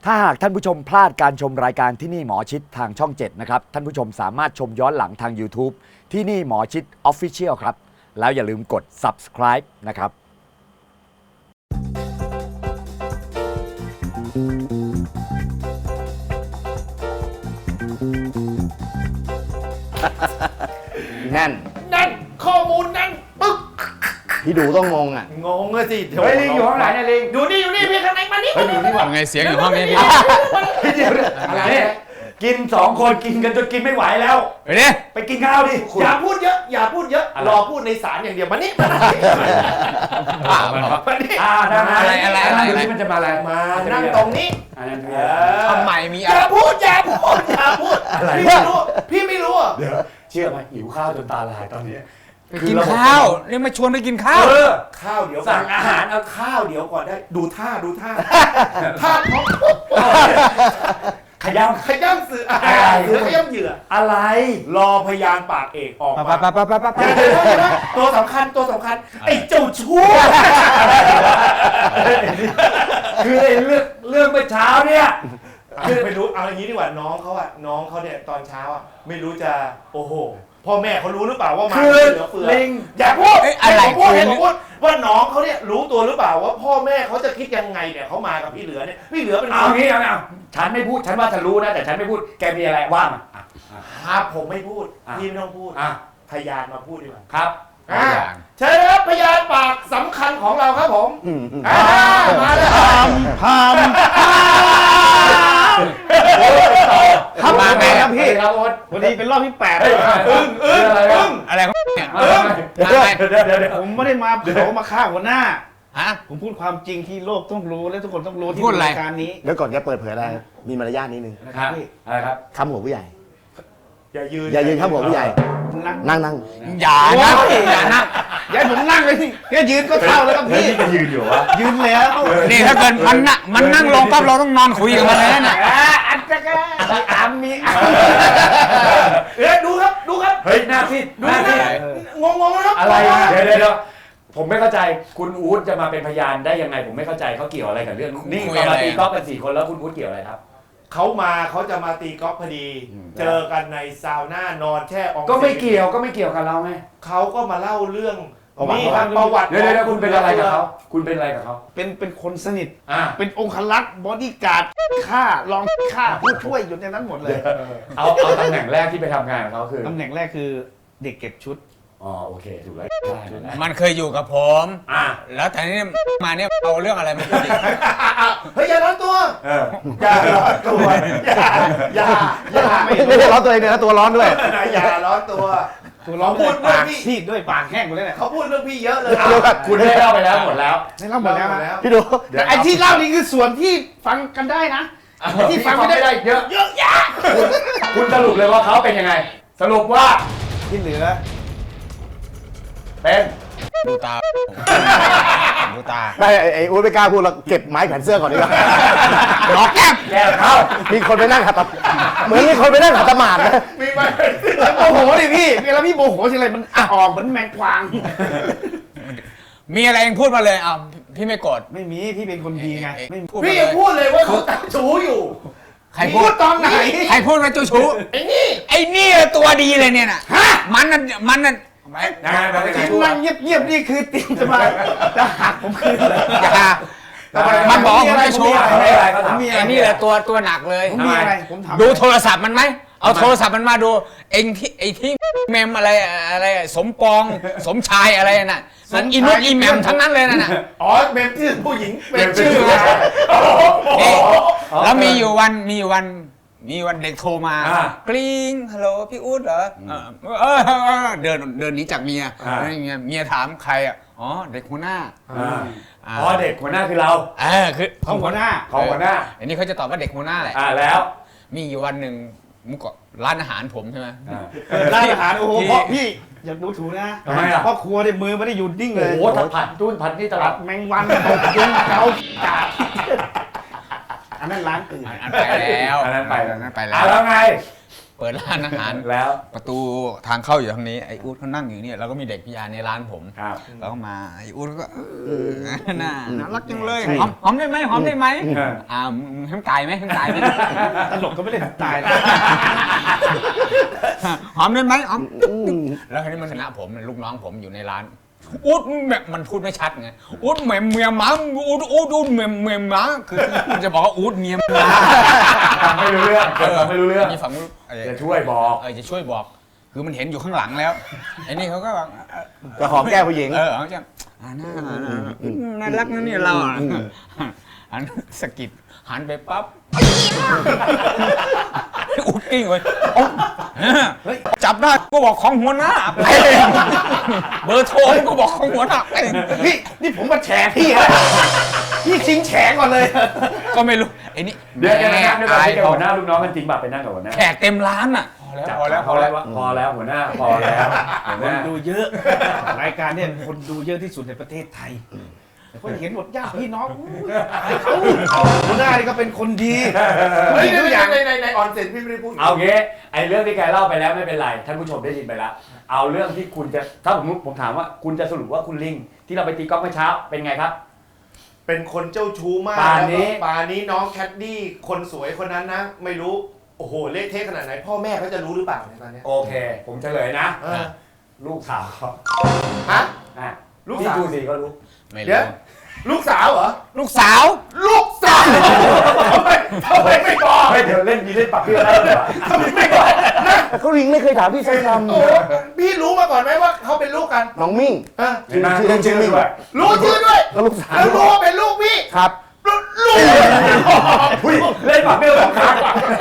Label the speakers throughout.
Speaker 1: ถ้าหากท่านผู้ชมพลาดการชมรายการที่นี่หมอชิดทางช่อง 7 นะครับ ท่านผู้ชมสามารถชมย้อนหลังทาง YouTube ที่นี่หมอชิด Official ครับ แล้วอย่าลืมกด subscribe นะครับ
Speaker 2: แน่น
Speaker 3: นั่นข้อมูลนั่นปึ๊ก
Speaker 2: พี่ดูต้องงงอ่ะ
Speaker 3: งงเลยสิ
Speaker 1: เฮ้ยลิงอยู่ข้างไหนเนี่ยลิง
Speaker 3: อยู่นี่พี่ข้างในมานี่
Speaker 4: ไงเสียงอยู่ห้องนี้พี่
Speaker 1: อะไรเนี่ยกิน2 คนกินกันจนกินไม่ไหวแล้ว
Speaker 4: ไปดิ
Speaker 1: ไปกินข้าวดิ
Speaker 3: อย่าพูดเยอะอย่าพูดเยอะรอพูดในศาลอย่างเดียวมานี่มานี่
Speaker 1: ได้ไหม
Speaker 4: อะไร
Speaker 1: ดูที่มันจะมาอะไร
Speaker 3: มานั่งตรงนี้
Speaker 4: ทำไมมี
Speaker 3: อ
Speaker 4: อะไร
Speaker 3: ย่าพูดพี่ไม่รู้อ่ะ
Speaker 1: เดี๋ยวเชื่อไหมหิวข้าวจนตาลายตอนนี้
Speaker 4: ไปกินข้าวนี่มาชวนไปกินข้าว
Speaker 3: ข้าวเดี๋ยว
Speaker 1: สั่งอาหารเอา
Speaker 3: ข้าวเดี๋ยวก่อนได้ดูท่าท่าเขา
Speaker 1: ขย้
Speaker 3: ขย้ำสื่อหรือขย้ำเหยื่อ
Speaker 1: ำอะไร
Speaker 3: รอพยานปากเอกออก
Speaker 4: ไป
Speaker 3: มา ตัวสำคัญไอ้เจ้าชั่ว
Speaker 1: คือไอ้เรื่องเมื่อเช้าเนี่ย
Speaker 3: คือไม่รู้เอาอย่างนี้ดีกว่าน้องเขาเนี่ยตอนเช้าอ่ะไม่รู้จะโอ้โหพ่อแม่เขารู้หรือเปล่าว่ามา
Speaker 1: คือ
Speaker 3: เหลือเฟือ
Speaker 1: ลิง
Speaker 3: อย่าพูด
Speaker 4: อะไร
Speaker 3: ให้ผมพูดว่าน้องเขาเนี่ยรู้ตัวหรือเปล่าว่าพ่อแม่เขาจะคิดยังไงเนี่ยเขามากับพี่เหลือเนี่ยพี่เหลือเป็น
Speaker 1: เอางี้เอาฉันไม่พูดฉันว่าฉันรู้นะแต่ฉันไม่พูดแกมีอะไรว่ามา
Speaker 3: ครับผมไม่พูด
Speaker 1: อ่ะ
Speaker 3: พี่ไม่ต้องพูด
Speaker 1: อ่ะ
Speaker 3: พยานมาพูดดีกว่า
Speaker 1: ครับ
Speaker 3: เชิญครับพยานปากสำคัญของเราครับผมมาเลย
Speaker 2: พาม
Speaker 4: ครับมาไงครับพี่
Speaker 1: ครับโอ๊ต
Speaker 2: วันนี้เป็นรอบที่8
Speaker 1: เฮ้ย
Speaker 3: อึ้ง
Speaker 4: อะไรของเนี่ย
Speaker 1: เดี๋ยว
Speaker 2: ผมไม่ได้มาเผามาฆ่าหัวหน้า
Speaker 4: ฮะ
Speaker 2: ผมพูดความจริงที่โลกต้องรู้และทุกคนต้องรู้ที่
Speaker 4: พูดอะไร
Speaker 2: รายการนี้
Speaker 5: แล้วก่อนจะเปิดเผยอะไรมีมารยาทนิดนึง
Speaker 1: นะครับอะไรครับ
Speaker 5: คำหัวผู้ใหญ่
Speaker 3: อย่ายืน
Speaker 5: อย่ายืนคำหัวผู้ใหญ่
Speaker 2: นั่ง
Speaker 5: นั่ง
Speaker 4: อย่านะอย่านะ
Speaker 2: อย่าให้ผมนั่งเลยสิแค่ยืนก็เท่าแล้วครับพี่
Speaker 1: จะยืนอยู่วะ
Speaker 2: ยืนแล้ว
Speaker 4: นี่ถ้าเกิดมันนั่งลงปั๊บเราต้องนอนคุยกับมันเลยนะ
Speaker 2: อันจะก็อามี
Speaker 3: ดูครับ
Speaker 1: เฮ้ยหน้าที่
Speaker 3: ดู
Speaker 1: หน้า
Speaker 3: นะ
Speaker 1: ที่
Speaker 3: งงนะครับ
Speaker 1: อะไรเดี๋ยวผมไม่เข้าใจคุณอู๊ดจะมาเป็นพยานได้ยังไงผมไม่เข้าใจเขาเกี่ยวอะไรกับเรื่องนี่ตอนมาตีกอล์ฟกัน4 คนแล้วคุณอู๊ดเกี่ยวอะไรครับ
Speaker 3: เขาจะมาตีกอล์ฟพอดี เจอกันในซาวน่านอนแช่ออง
Speaker 1: ก็ไม่เกี่ยวกับเราไง
Speaker 3: เขาก็มาเล่าเรื่อง
Speaker 5: ประวัติ
Speaker 3: นี่ครับประวัติ
Speaker 1: เดี๋ยวคุณเป็นอะไรกับเขาคุณเป็นอะไรกับเขา
Speaker 2: เป็นคนสนิท
Speaker 1: อ่ะ
Speaker 2: เป็นองครักษ์บอดี้การ์ดฆ่ารองฆ่าผู้ช่วยอยู่ในนั้นหมดเลย
Speaker 1: เอาตำแหน่งแรกที่ไปทำงานกับเขาคือ
Speaker 2: ตำแหน่งแรกคือเด็กเก็บชุด
Speaker 1: อ๋อโอเคถูกแล้วได้นั่นแหละ
Speaker 4: มันเคยอยู่กับผม
Speaker 1: อ่ะ
Speaker 4: แล้วแต่นี่มาเนี่ยเอาเรื่องอะไรมาพูดอีก
Speaker 3: เฮ้ยอย่าร้อนตัว อย่าร้อนตัวอย่า
Speaker 5: ไม่ได้ร้อนตัวเองเลยนะตัวร้อนด้วย
Speaker 3: อย่าร้อนตัว
Speaker 2: ตัวร้อง
Speaker 3: พูด
Speaker 2: ปาก
Speaker 3: พี่
Speaker 2: ซีดด้วยปากแห้งหมดเลยเนี่ย
Speaker 3: เขาพูดเรื่องพี่เยอะเลย
Speaker 5: เดี๋ยวก่อน
Speaker 1: คุณได้เล่าไปแล้วหมดแล้ว
Speaker 2: ได้เล่าหมดแล้วนะ
Speaker 5: พี่ดู
Speaker 2: แต่ไอ้ที่เล่านี่คือส่วนที่ฟังกันได้นะไอ้ที่ฟังไม่ได้
Speaker 1: เยอะ
Speaker 3: เยอะแยะ
Speaker 1: คุณสรุปเลยว่าเขาเป็นยังไง สรุปว่า
Speaker 2: ที่เหลือ
Speaker 1: เป็น
Speaker 4: ดูตาดูตา
Speaker 5: ไม่ไอ้อู๊ดไม่กล้าพูดแล้วเก็บไม้แขวนเสื้อก่อนดีกว่า
Speaker 4: ล็อกแก้ม
Speaker 1: แก้เขา
Speaker 5: มีคนไปนั่งขัดตะเหมือนมีคนไปนั่งขัดตะหมาดนะ
Speaker 3: มีไหม
Speaker 2: โมโหดิพี่เวลาพี่โมโหทีไรมันออกเหมือนแมงกวาง
Speaker 4: มีอะไรเองพูดมาเลยอ้าวพี่ไม่โกรธ
Speaker 2: ไม่มีพี่เป็นคนดีไงไม่
Speaker 4: พูด
Speaker 3: พี่
Speaker 4: มาเล
Speaker 3: ยัง
Speaker 4: ย
Speaker 3: พูดเลยว่าเขาตัดชูอยู่
Speaker 4: ใครพูด
Speaker 3: ตอนไหน
Speaker 4: ใครพูดว่าเจ้าชู้
Speaker 3: ไอ้นี่
Speaker 4: ไอ้นี่ตัวดีเลยเนี่ยน่ะมันนั่น
Speaker 1: ยังไงมันเป็น
Speaker 2: ที่
Speaker 1: ชั่ว
Speaker 2: นั่งเงียบๆนี่คือเตรียมจะหักผมคืนเลย
Speaker 4: อย่ามันบอกว่าผมจะชู้
Speaker 1: ไม่อะไรเขาถาม
Speaker 2: มี
Speaker 4: ไอ้นี่แหละตัวหนักเลย
Speaker 2: ผมมีอะไรผมถาม
Speaker 4: ดูโทรศัพท์มันไหมเอาโทรศัพท์มันมาดูเองที่ไอ้ที่เมมอะไรสมปองสมชายอะไรน่ะมันอินุตอีแมมทั้งนั้นเลยน่ะ
Speaker 3: อ๋อเป็นชื่อผู้หญิง
Speaker 4: เป็นชื่อนี่แล้วมีอยู่วันเด็กโทรมากริ๊งฮัลโหลพี่อุ๊ดเหรอเดินหนีจากเมียเมียถามใครอ่ะอ๋อเด็กหัวหน้า
Speaker 1: อ๋อเด็กหัวหน้าคือเรา
Speaker 4: คือ
Speaker 2: ของหัวหน้า
Speaker 1: ของหัวหน้า
Speaker 4: อันนี้เขาจะตอบว่าเด็กหัวหน้าแหละ
Speaker 1: แล้ว
Speaker 4: มีอยู่วันหนึ่งมุกก็ร้านอาหารผมใช่ไหม
Speaker 2: ร้านอาหารโอ้โหเพราะพี่อย่าดูถูกนะ
Speaker 1: ทำไมอ่ะ
Speaker 2: เพราะครัวในมือไม่ได้หยุดนิ่งเล
Speaker 1: โอ้
Speaker 2: ย
Speaker 1: โหผัดจุ้นผัดนี่ตลาด
Speaker 2: แมงวันตกยุงเกากาดอันนั้นร้านอื่น
Speaker 4: อันไปแล้ว
Speaker 1: อันนั้นไป
Speaker 4: อันนั้นไปแล้
Speaker 1: แล้ว วไง
Speaker 4: เปิดร้านอาหาร
Speaker 1: แล้ว
Speaker 4: ประตูทางเข้าอยู่ทางนี้ไอ้อู๊ดเขานั่งอยู่เนี่ยแล้วก็มีเด็กพิยาในร้านผม
Speaker 1: ครับ
Speaker 4: แล้วก็มาไอ้อู๊ดก็น่ารักจังเลยหอมได้ไหมหอมได้ไหมมึงให้มันตายไหมให้มันตายไหม
Speaker 2: ตลกก็ไม่ได้ตายนะ
Speaker 4: หอมได้ไหมหอมแล้วคราวนี้มันชนะผมลูกน้องผมอยู่ในร้านอู๊ดแบบมันพูดไม่ชัดไงอู๊ดเหม่เมียหมาอู๊ดเมียหมาคือมันจะบอกว่าอู๊ดเมียหมา
Speaker 1: ฟังไม่รู้เรื่องฟังไม่รู้เรื่อง
Speaker 4: นี่ฝั่งนู้น
Speaker 1: จะช่วยบอก
Speaker 4: จะช่วยบอก คือมันเห็นอยู่ข้างหลังแล้วไอ้นี่เขาก็แบบ
Speaker 5: จะหอมแก้มผู้หญิง
Speaker 4: เขาจะน่ารักนะเนี่ยเราหันสะกิดหันไปปั๊บอุดกิ้งเลยจับได้ก็บอกของหัวหน้าเบอร์โทรก็บอกของหัวหน้า
Speaker 2: นี่ผมมาแฉพี่นะพี่ชิงแฉก่อนเลย
Speaker 4: ก็ไม่รู้ไอ้นี่
Speaker 1: เดี๋ยวจะนั่งด้วยกัน
Speaker 4: อาย
Speaker 1: ที่หัวหน้าลูกน้องกันจริงป่ะไปนั่งกับหัวหน้า
Speaker 4: แขกเต็มร้านอ่ะพอแล้ว
Speaker 1: พอแล้วหัวหน้าพอแล้วหัวห
Speaker 2: คน
Speaker 1: น้า
Speaker 2: ดูเยอะ รายการเนี่ยคนดูเยอะที่สุดในประเทศไทยแต่คนเห็นหมดญาติพี่น้องเขาหัวหน้านี่ก็เป็นคนดี
Speaker 3: เฮ้ย
Speaker 2: ทุกอย่าง
Speaker 3: ในออนเซ็นพี่ไม่ได้พูด
Speaker 1: เอางี้ไอ้เรื่องที่แกเล่าไปแล้วไม่เป็นไรท่านผู้ชมได้ยินไปแล้วเอาเรื่องที่คุณจะถ้าผมถามว่าคุณจะสรุปว่าคุณลิงที่เราไปตีกอล์ฟเมื่อเช้าเป็นไงครับ
Speaker 3: เป็นคนเจ้าชู้มาก
Speaker 1: ป่านนี้
Speaker 3: แล้วก็ป่านนี้น้องแคดดี้คนสวยคนนั้นนะ ไม่รู้โอ้โหเละเทะขนาดไหนพ่อแม่เขาจะรู้หรือเปล่าในตอนเนี้ย
Speaker 1: โอเค ผมเฉลยนะ
Speaker 3: เออ
Speaker 1: ลูกสาวเขา
Speaker 3: ฮะ
Speaker 1: อ่ะ
Speaker 3: ลูกสาว
Speaker 1: ที่ดูสิก็รู้
Speaker 4: ไม่
Speaker 3: เดี๋
Speaker 4: รู้
Speaker 3: ยวลูกสาวเหรอ
Speaker 4: ลูกสาว
Speaker 3: ลูกสาวทำไมไม่บอก
Speaker 1: เฮ้ยเดี๋ยวเล่นมีเล่นปักเพื่อนได้เหรอ
Speaker 3: ทำไมไม่บอกนะ
Speaker 5: เขาลิงไม่เคยถามพี่สักค
Speaker 3: โอ้พี่รู้มาก่อนไหมว่าเขาเป็นลูกกัน
Speaker 5: ำน้องมิ่ง
Speaker 3: เออ
Speaker 1: เห็นไหม
Speaker 5: ชื่อเล่นชื่อมิ่ง
Speaker 1: ด้วย
Speaker 3: รู้ชื่อด้วย
Speaker 5: แล้วลูกสาว
Speaker 3: แล้วรู้ว่าเป็นลูกพี่
Speaker 5: ครับ
Speaker 3: ลูก
Speaker 1: อุ้ยเล่นปักเพื่อนสองครั้ง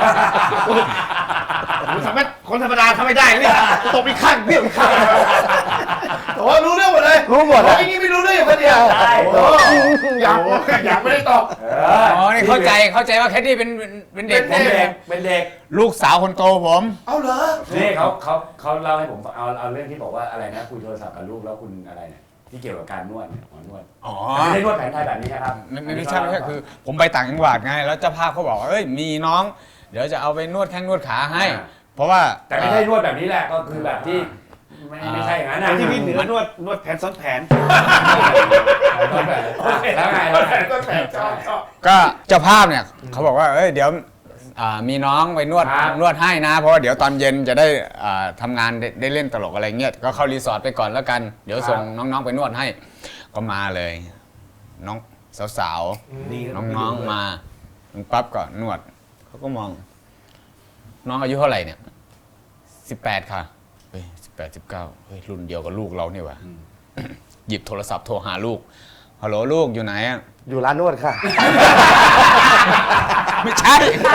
Speaker 2: สามารถคนธรรมดาทำไม่ได้เนี่ยตกอีกข้างเบี้ยวอีกข้าง
Speaker 3: แต่ว่ารู้เรื่องหมดเลย
Speaker 5: รู้หมด
Speaker 3: เพ
Speaker 5: อะ
Speaker 3: ราะไอ้นี่ไม่รู้เรื่องอย่างคนเดียว
Speaker 1: ใช่
Speaker 3: โอ้โห
Speaker 5: อยาก
Speaker 3: ไม่ได้ตอบ
Speaker 4: อ๋อนี่เข้าใจว่าแคดดี้เป็นเด็ก
Speaker 1: เป็นเด็กเป็นเด็ก
Speaker 4: ลูกสาวคนโตผม
Speaker 3: เอาเหรอ
Speaker 1: นี่เขาเล่าให้ผมฟังเอาเรื่องที่บอกว่าอะไรนะคุยโทรศัพท์กับลูกแล้วคุณอะไรเนี่ยที่เกี่ยวกับการนวดเนี่ยหมอนวด
Speaker 4: อ๋อ
Speaker 1: ไม่ได้นวดแผนไทยแบบนี้นะครับ
Speaker 4: ไม่ใช่คือผมไปต่างจังหวัดไงแล้วเจ้าภาพเขาบอกว่าเอ้ยมีน้อง เดี๋ยวจะเอาไปนวดแข้งนวดขาให้ เพราะว่า
Speaker 1: แต่ไม่ใช่นวดแบบนี้แหละก็คือแบบที่ไม่ใช่อย่างนั้นนะ
Speaker 2: ที่พี่เหนือนวดแผนซ้อนแผน
Speaker 1: แล้วไง
Speaker 3: ก็แผลชอบ
Speaker 4: ก็เจ้าภาพเนี่ยเขาบอกว่าเอ้ยเดี๋ยวมีน้องไปนวดให้นะ เพราะว่าเดี๋ยวตอนเย็นจะได้ทำงานได้เล่นตลกอะไรเงี้ยก็เข้ารีสอร์ทไปก่อนแล้วกันเดี๋ยวส่งน้องๆไปนวดให้ก็มาเลย น้องสาวๆน้องๆมาปั๊บก็นวดเขาก็มอง น้องอายุเท่าไหร่เนี่ย18ค่ะเฮ้ย18 19เฮ้ยรุ่นเดียวกับลูกเราเนี่ยว่ะหยิบโทรศัพท์โทรหาลูกฮัลโหลลูกอยู่ไหนอ่ะ
Speaker 5: อยู่ร้านนวดค่ะ
Speaker 4: ไม่ใช่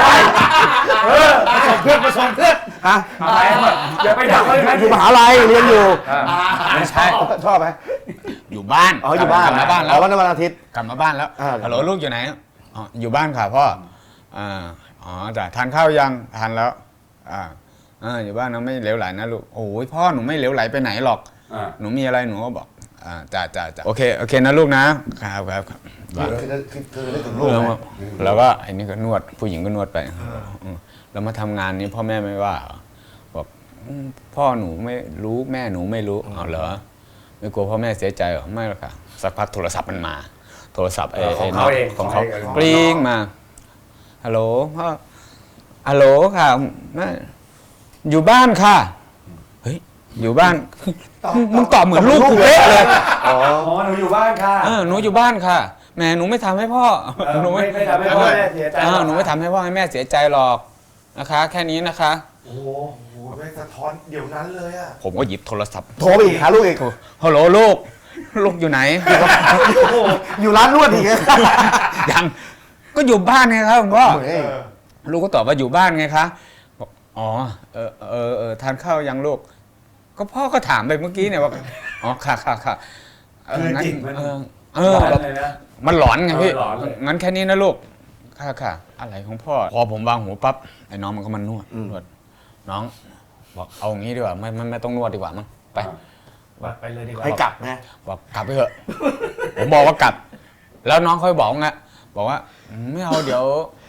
Speaker 2: มาส่งเพื่อน
Speaker 5: ฮะ
Speaker 1: อะไรอย่าไปด่าเขาเลยนะ
Speaker 5: อยู่มหาลัยเรียนอยู่
Speaker 4: ไม่ใช่
Speaker 5: ชอบไหม
Speaker 4: อยู่บ้าน
Speaker 5: อ๋ออยู่บ้าน
Speaker 4: กลับมาบ้านแล้
Speaker 5: อ๋
Speaker 4: ว
Speaker 5: อวันอาทิตย์
Speaker 4: กลับมาบ้านแล้ว
Speaker 5: อ่า
Speaker 4: ฮัลโหลลูกอยู่ไหนอ๋ออยู่บ้านค่ะพ่ออ๋อจ้ะทานข้าวยังทานแล้วอยู่บ้านนะไม่เหลวไหลนะลูกโอ้ยพ่อหนูไม่เหลวไหลไปไหนหรอกหนูมีอะไรหนูก็บอกจ้าโอเคนะลูกนะครับ
Speaker 5: คือนึกถึงลูก
Speaker 4: แล้วก็ไอ้นี่ก็นวดผู้หญิงก็นวดไปแล้วมาทำงานนี้พ่อแม่ไม่ว่าบอกพ่อหนูไม่รู้แม่หนูไม่รู้เอาเหรอไม่กลัวพ่อแม่เสียใจหรอไม่หรอกค่ะสักพักโทรศัพท์มันมาโทรศัพท์ของเขากริ้งมาฮัลโหลพ่อฮัลโหลค่ะแม่อยู่บ้านค่ะเฮ้ยอยู่บ้านมึงตอบเหมือนลูกกูเป๊ะเลย
Speaker 1: อ๋อหนูอยู่บ้านค่ะ
Speaker 4: หนูอยู่บ้านค่ะแม่หนูไม่ทำให้พ่อ
Speaker 1: หนูไม่ทำให้พ่อแม่เสียใจ
Speaker 4: หนูไม่ทำให้พ่อให้แม่เสียใจหรอกนะคะ แค่นี้นะคะ
Speaker 3: โอ้โหไม่สะท้อนเดี๋ยวนั้นเลยอ่ะ
Speaker 4: ผมก็หยิบโทรศัพท์
Speaker 5: โทรไปอีกหาลูกอีก
Speaker 4: ฮัลโหลลูกอยู่ไหน
Speaker 5: อยู่ร้านนวดอีก
Speaker 4: ยังก็อยู่บ้านไงครับคุณพ่อ
Speaker 5: เฮ้ย
Speaker 4: ลูกก็ตอบว่าอยู่บ้านไงคะบอกอ๋อทานข้าวยังลูกก็พ่อก็ถามไปเมื่อกี้เนี่ยว่าอ๋อค่ะ
Speaker 1: คือจริงมัน
Speaker 4: แบบมันหลอนไงพี่
Speaker 1: หลอนเลย
Speaker 4: งั้นแค่นี้นะลูกค่ะอะไรของพ่อพอผมวางหูปั๊บไอ้น้องมันก็มานวดน้องบอกเอางี้ดีกว่าไม่ต้องนวดดีกว่ามั้งไป
Speaker 2: ไปเลยดีกว่า
Speaker 5: ให้กลับนะ
Speaker 4: บอกกลับไปเถอะ ผมบอกว่ากลับ แล้วน้องค่อยบอกว่าไม่เอาเดี๋ยว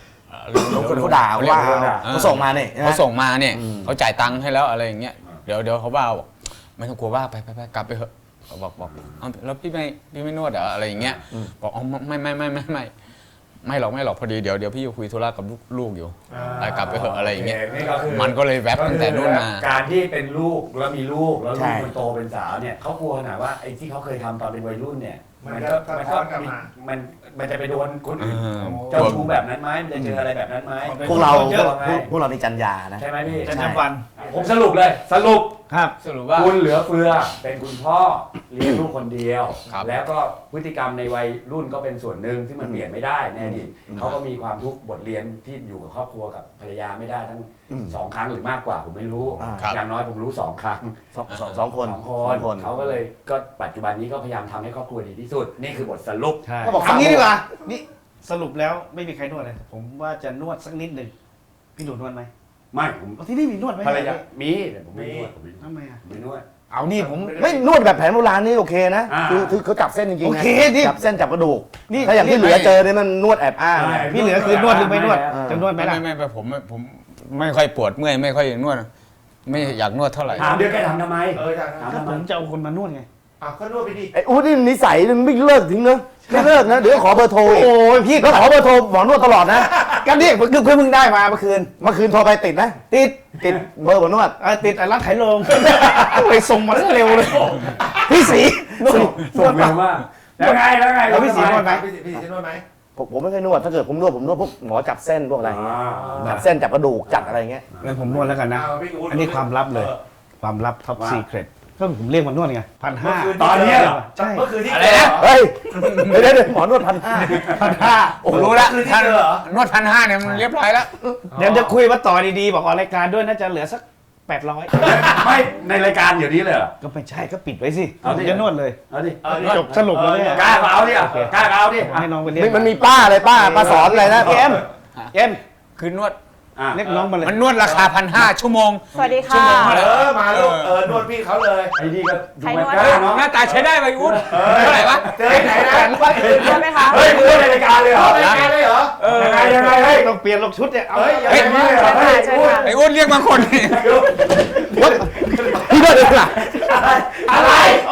Speaker 5: คนเขาด่าว่าเขาส่งมาเนี่ย
Speaker 4: เขาส่งมาเนี่ยเขาจ่ายตังค์ให้แล้วอะไรอย่างเงี้ยเดี๋ยวเขาว่าบอกไม่ต้องกลัวว่าไปกลับไปเถอะเขาบอกเอาแล้วพี่ไม่นวดเหรออะไรอย่างเงี้ยบอกอ๋อไม่หรอกพอดีเดี๋ยวพี่จะคุยธุระกับลูกอยู่ไปกลับไปเถอะอะไรอย่างเงี้ย
Speaker 1: นี่ก็คือ
Speaker 4: มันก็เลยแวบตั้งแต่นู่นมา
Speaker 1: การที่เป็นลูกแล้วมีลูกแล้วลูกคนโตเป็นสาวเนี่ยเขากลัวขนาดว่าไอ้ที่เขาเคยทำตอนเป็นวัยรุ่นเนี่ยมันจะไปโดนคนอื่นเจ้าชู้แบบนั้นไหมมันจะเจออะไรแบบนั้นไหม
Speaker 5: พวกเรา
Speaker 1: เยอะไง
Speaker 5: พวกเราในจัญญานะ
Speaker 1: ใช่ไหมพี่
Speaker 2: จันทวัน
Speaker 1: ผมสรุปเลยสรุป
Speaker 2: ครับ
Speaker 4: สรุปว่า
Speaker 1: คุณเหลือเฟือเป็นคุณพ่อเลี้ยงลูกคนเดียว
Speaker 4: ครับ
Speaker 1: แล้วก็พฤติกรรมในวัยรุ่นก็เป็นส่วนหนึ่งที่มันเปลี่ยนไม่ได้แน่ดิเขาก็มีความทุกข์บทเรียนที่อยู่กับครอบครัวกับภรรยาไม่ได้ทั้ง2 ครั้งหรือมากกว่าผมไม่รู้
Speaker 4: ครับ
Speaker 1: อย่างน้อยผมรู้2 ครั้ง
Speaker 5: สองคน
Speaker 1: เขาก็เลยก็ปัจจุบันนี้ก็พยายามทำให้ครอบครัวดีที่สุด นี่คือบทสรุป
Speaker 2: ใช่
Speaker 5: ก็บอก
Speaker 2: ทำงี้ดีกว่านี่สรุปแล้วไม่มีใครนวดเลยผมว่าจะนวดสักนิดหนึ่งพี่หนูนวดไหม
Speaker 1: ไม่ผม
Speaker 2: เอาที่นี่มีนวดไหม
Speaker 1: ภรรยามีแต่ผมไม่นวดผม
Speaker 2: ทำไมอ่ะ
Speaker 1: ไม่นวด
Speaker 2: เอานี่ผม
Speaker 5: ไม่นวดแบบแผนโบราณนี่โอเคนะ
Speaker 1: อ่า
Speaker 5: คือเขาจับเส้นจริงๆ
Speaker 2: โอ
Speaker 5: นะ
Speaker 2: เคดิ
Speaker 5: จับเส้นจับกระดูก
Speaker 2: นี่
Speaker 5: ถ้าอย่างที่เหลือเจอเนี่ยมันนวดแอบอ้าง
Speaker 1: ใช่
Speaker 2: พี่เหลือคือนวดหรือไม่นวด
Speaker 1: เออ
Speaker 2: จะนวดไหมล่ะ
Speaker 4: ไม่ผมไม่ค่อยปวดเมื่อยไม่ค่อยนวดไม่อยากนวดเท่าไหร่
Speaker 1: ถามเดี๋ยวแกทำทำไม
Speaker 3: จาก
Speaker 1: ถาม
Speaker 2: ก็
Speaker 1: ทำ
Speaker 2: ผ
Speaker 1: ไม
Speaker 2: มจะเอาคนมานวดไง
Speaker 3: ก็นวดไปดิ
Speaker 5: ไอ้อู๊ดนี่นิสัยไม่เลิกทิ้งเนอะไม่เลิกนะเดี๋ยวขอเบอร์โทรอีก
Speaker 2: โอ้ยพี่
Speaker 5: แล้วขอเบอร์โทรหมอนวดตลอดนะ
Speaker 2: กันนี่เพิ่งได้มาเมื่อคืน
Speaker 5: เมื่อคืนโทรไปติดนะ
Speaker 2: ติด
Speaker 5: ติดเบอร์หมอนวด
Speaker 2: ติดร้านขายโรงไปส่งมาเร็วเลยพี่สีนวด
Speaker 1: ส่งเร็วมากแล้วไง
Speaker 2: แล้วพี่ศรีนวดไหม
Speaker 3: พี่จะนวดไหม
Speaker 5: ผมไม่เคยนวดถ้าเกิดผมนวดพวกหมอจับเส้นพวกอะไรอย่างเงี้ยจับเส้นจับกระดูกจับอะไรอย่างเงี้ย
Speaker 2: งั้นผมนวดแล้วกันนะ อันนี้ความลับเลย ความลับท็อปซีเครตก็ผมเรียกมันนวดไง1,500
Speaker 1: ตอนเนี้ยเหรอ
Speaker 2: ใช่
Speaker 3: เมื่อคืนที่
Speaker 4: อะไรนะ
Speaker 5: เฮ้ยเดี๋ยวหมอนวด1,500
Speaker 4: โอ้รู้แล้ว
Speaker 3: คืนที่เจอเหรอ
Speaker 4: นวด1,500เนี่ยมันเรียบร้อยแล้ว
Speaker 2: เดี๋ยวจะคุยว่าต่อดีๆ บอกออกรายการด้วยน่าจะเหลือสัก 800
Speaker 1: ไม่ในรายการอยู่นี้เลยเหรอ
Speaker 2: ก็ไม่ใช่ก็ปิดไว้สิ
Speaker 1: เอาดิ
Speaker 2: จะนวดเลย
Speaker 1: เอาดิ
Speaker 2: จบสรุปแล้วเนี่ย
Speaker 1: กล้าเอาดิกล้าเอาดิ
Speaker 2: ให้น้องไปเรียก
Speaker 5: มันมีป้าอะไรป้าสอนอะไรนะ
Speaker 2: เอ็มเอ็ม
Speaker 4: คือนวด
Speaker 2: เรียกน้องมาเลย
Speaker 4: มันนวดราคา1,500ชั่วโมง
Speaker 6: สวัสดี
Speaker 4: ชั่ว
Speaker 6: ค่ะ
Speaker 4: โมงละ
Speaker 3: มาลูกนวดพี่เขาเลย
Speaker 1: ไอ้นี่ก็ดู
Speaker 6: ใคร
Speaker 1: มัน
Speaker 6: นวด
Speaker 1: กล้าเนาะ
Speaker 4: หน้าตาใช้ได้ไปอุ้นเท่าไหร่วะ
Speaker 3: เจอไหนนะ
Speaker 6: ใช่ไหมคะ
Speaker 1: เฮ้ยมึงในรายการเลยเหรอ
Speaker 3: รายการเลยเหรอ
Speaker 1: ยังไงเฮ้ย
Speaker 2: ต้องเปลี่ยนลกชุดเนี่ยเอา
Speaker 3: เฮ้ย
Speaker 1: เฮ้ยนี่เลยเหรอเฮ้ย
Speaker 6: เชิญค่ะ
Speaker 4: ไอ้อุ้นเรียกมาคนนี่
Speaker 5: พี่ด้วยเลยล่ะ
Speaker 1: อะไร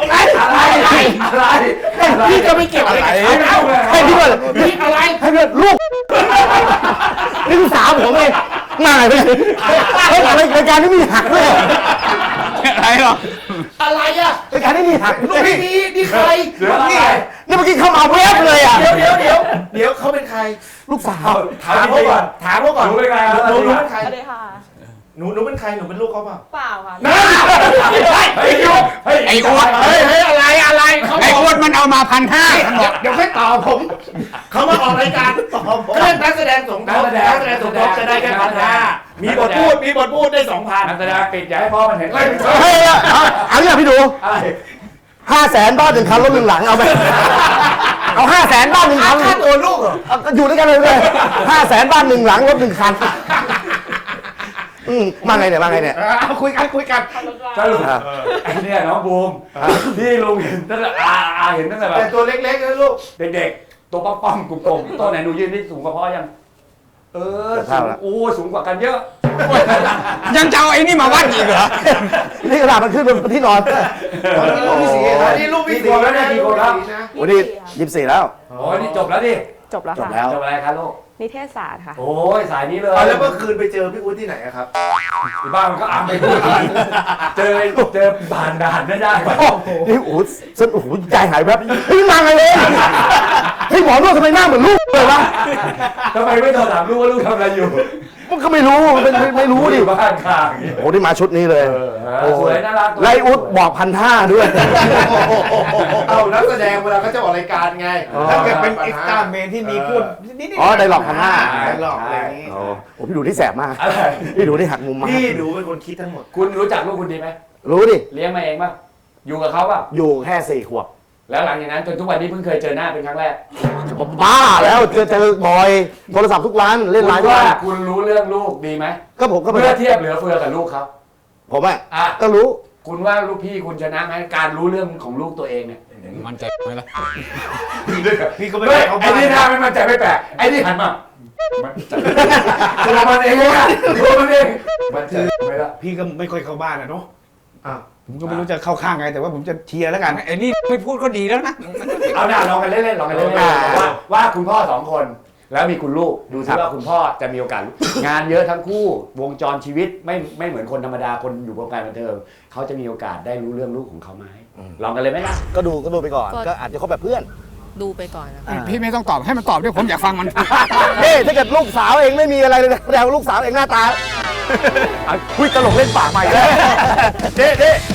Speaker 1: พี่ก็ไม่เกี่ยวอะไรกับเขา
Speaker 5: ให้พี่ด้วยพี่อะไรให้พี่ลูกนี่คือสาวผมเองง่ายไปเลยเฮ้ยรายการนี้มีหักด้วย
Speaker 4: อะไรหรอ
Speaker 3: อะไรอ่ะ
Speaker 5: รายการนี้มีหัก
Speaker 3: ลูกพี่นี่ใคร
Speaker 5: นี่เมื่อกี้เข้ามาเวฟเลยอ่ะ
Speaker 3: เดี๋ยวเขาเป็นใคร
Speaker 5: ลูกสาว
Speaker 3: ถามเขาก่อน
Speaker 1: รู้ไหมไง
Speaker 3: หนูเป็นใคร
Speaker 6: สวัสดีค่ะ
Speaker 3: หนูเป็นใครหนูเป็นลูกเขาเปล่า
Speaker 6: เปล่าค่ะ
Speaker 1: เฮ้ยยุบเฮ้ย
Speaker 4: ไอ้อ้วน
Speaker 3: เฮ้ยอะไรเขา
Speaker 4: ไอ้อ้วนมันเอามา1,500
Speaker 3: เดี๋ยวค่อยตอบผมเขามาออกรายการตอบผมก็เล่นนักแสดงสมทบจะได้แค่1,500มีบทพูดได้ 2,000
Speaker 1: นักแสดงปิดอย่าให้พ่อมันเห็น
Speaker 5: เฮ้ยเอาอย่างพี่ดู500,000บ้าน1 คันรถ1 หลังเอาไปเอา500,000บ้าน1 คัน
Speaker 3: ค่าตัวลูกเหรอ
Speaker 5: อยู่ด้วยกันเลย500,000บ้าน1 หลังรถ1 คันมาไงเนี่ย
Speaker 2: คุยกัน
Speaker 1: สรุปไอ้เนี่ยน้องบูมที่ลุงเห็นตั้งแต่เห็นตั้งแต่แบ
Speaker 3: แต่
Speaker 1: บ
Speaker 3: ตัวเล็กๆนะลูก
Speaker 1: เด็กๆตัวป้อมๆกลมๆตัวไหนหนูยืนได้สูงกว่าพ่อยังโอ้สูงกว่ากันเยอะ
Speaker 4: ยังจะเอาไอ้นี่มาวัดอีกเหรอ
Speaker 5: นี่กระดาษมันขึ้นบนที่นอน
Speaker 3: นี่ลูกพี่สีนะ
Speaker 5: โอ้นี่24แล้ว
Speaker 1: โอ้นี่จบแล้วดิ
Speaker 6: จบแล้ว
Speaker 5: จบ
Speaker 6: ค่ะ
Speaker 5: แล้ว
Speaker 1: จบอะไรครับลูก
Speaker 6: นิเทศศาสตร์ค่ะ
Speaker 1: โอ้ยสายนี้เลย
Speaker 3: แล้วเมื่อคืนไปเจอพี่อุ้นที่ไหนครับ
Speaker 1: ที่บ้านมันก็อ่ำไปพูดเจอผ่านด่านไม่ได้
Speaker 5: นี่โอ้โหใจหายแวบเฮ้ยมาไงเลยเฮ้ยหมอนวดทำไมหน้าเหมือนลูกเลยวะ
Speaker 1: ทำไมไม่โทรถามลูกว่าลูกทำอะไรอยู่
Speaker 5: มันก็ไม่รู้ไม่รู้ดิ
Speaker 1: บ้านข้าง
Speaker 5: โอ้นี่มาชุดนี้เลย
Speaker 1: สวยน่ารัก
Speaker 5: ไลอุดบอก1,500ด้วย
Speaker 3: เอานักแสดงเวลาเขาจะออกรายการไง
Speaker 2: ถ้าเกิดเป็นเอ็กซ์ตร้าเมนที่มีพูดนิดๆ
Speaker 5: อ๋อไดร็อก1,500
Speaker 2: ไดร็อกอะไรอย่างนี้
Speaker 5: โอ้พี่ดูที่แสบมาก
Speaker 1: อะไร
Speaker 5: พี่ดูที่หักมุมมาก
Speaker 3: พี่หนูเป็นคนคิดทั้งหมด
Speaker 1: คุณรู้จักลูกคุณดีไหม
Speaker 5: รู้ดิ
Speaker 1: เลี้ยงมาเองป่ะอยู่กับเขาป่ะ
Speaker 5: อยู่แค่4 ขวบ
Speaker 1: แล้วหลังจากนั้นจนทุกวันนี้เพิ่งเคยเจอหน้าเป็นครั้งแรก
Speaker 5: บ้าแล้วเจอบ่อยโทรศัพท์ทุกวันเล่นไลน์ทุก
Speaker 1: ว่า
Speaker 5: วัน
Speaker 1: คุณรู้เรื่องลูกดีไหม
Speaker 5: ก็ผมก็
Speaker 1: เมื่อเทียบเหลือเฟือกับลูกเขา
Speaker 5: ผมอ่ะ
Speaker 1: อ่ะ
Speaker 5: ก็รู้
Speaker 1: คุณว่าลูกพี่คุณชนะไหมการรู้เรื่องของลูกตัวเองเนี่ย
Speaker 4: มันใจไหมล่ะ
Speaker 2: พี่ก็ไม่
Speaker 1: เฮ้ย
Speaker 2: ได้เขา
Speaker 1: ไอ้
Speaker 2: บ้าน
Speaker 1: นี่ท่าไม่มั่นใจไม่แปลกไอ้นี่หันมาตัวมันเองอะตัวมันเองมันใจไม่ละ
Speaker 2: พี่ก็ไม่ค่อยเข้าบ้านอะเนาะ
Speaker 5: อ้าว
Speaker 2: ผมก็ไม่รู้จะเข้าข้างไงแต่ว่าผมจะเชียร์แล้วกัน
Speaker 4: ไอ้นี่ไม่พูดก็ดีแล้วนะ
Speaker 1: เอาหน้าลองกันเล่นๆลองกันเล่นๆว่าคุณพ่อสองคนแล้วมีคุณลูกดูซิว่าคุณพ่อจะมีโอกาสงานเยอะทั้งคู่วงจรชีวิตไม่เหมือนคนธรรมดาคนอยู่วงการบันเทิงเขาจะมีโอกาสได้รู้เรื่องลูกของเขาไหมลองกันเลยไหมล่ะ
Speaker 5: ก็ดูไปก่อนก็อาจจะคบแบบเพื่อน
Speaker 6: ดูไปก่อนนะคะ
Speaker 4: พี่ไม่ต้องตอบให้มันตอบด้วยผมอยากฟังมัน
Speaker 5: นี่ถ้าเกิดลูกสาวเองไม่มีอะไรเลยแสดงว่าลูกสาวเองหน้าตา
Speaker 1: คุยตลกเล่นปากใหม่แล้ว
Speaker 5: เด้